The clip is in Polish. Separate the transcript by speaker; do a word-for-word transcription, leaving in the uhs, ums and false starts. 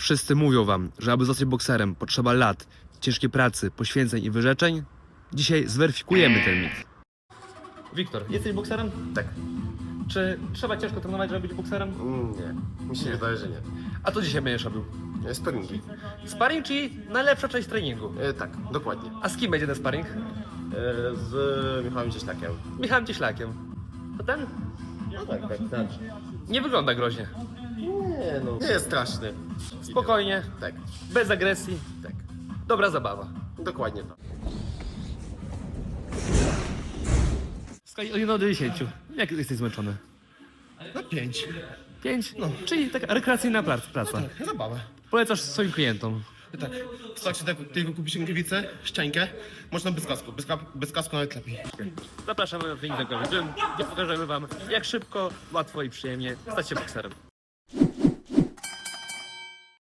Speaker 1: Wszyscy mówią wam, że aby zostać bokserem potrzeba lat, ciężkiej pracy, poświęceń i wyrzeczeń. Dzisiaj zweryfikujemy ten mit. Wiktor, jesteś bokserem?
Speaker 2: Tak.
Speaker 1: Czy trzeba ciężko trenować, żeby być bokserem?
Speaker 2: Mm, nie. Mi się wydaje, że nie.
Speaker 1: A to dzisiaj będziesz robił?
Speaker 2: E, Sparingi.
Speaker 1: Sparring, czyli najlepsza część treningu.
Speaker 2: E, tak, dokładnie.
Speaker 1: A z kim będzie ten sparring?
Speaker 2: E, z Michałem Cieślakiem.
Speaker 1: Michałem Cieślakiem. To ten?
Speaker 2: No tak, tak, tak.
Speaker 1: Nie wygląda groźnie.
Speaker 2: Nie no. Nie jest straszny.
Speaker 1: Spokojnie,
Speaker 2: Tak,
Speaker 1: bez agresji,
Speaker 2: tak.
Speaker 1: dobra zabawa.
Speaker 2: Dokładnie tak.
Speaker 1: W skali od jednego do dziesięciu. Jak jesteś zmęczony?
Speaker 2: Na pięć.
Speaker 1: Pięć? No. Czyli taka rekreacyjna prac- praca.
Speaker 2: Zabawa.
Speaker 1: Polecasz swoim klientom.
Speaker 2: Tak. Wystarczy tak, tylko kupić rękawicę, szczękę, można bez kasku. Bez, ka- bez kasku nawet lepiej.
Speaker 1: Zapraszamy na trening, gdzie pokażemy wam, jak szybko, łatwo i przyjemnie stać się bokserem.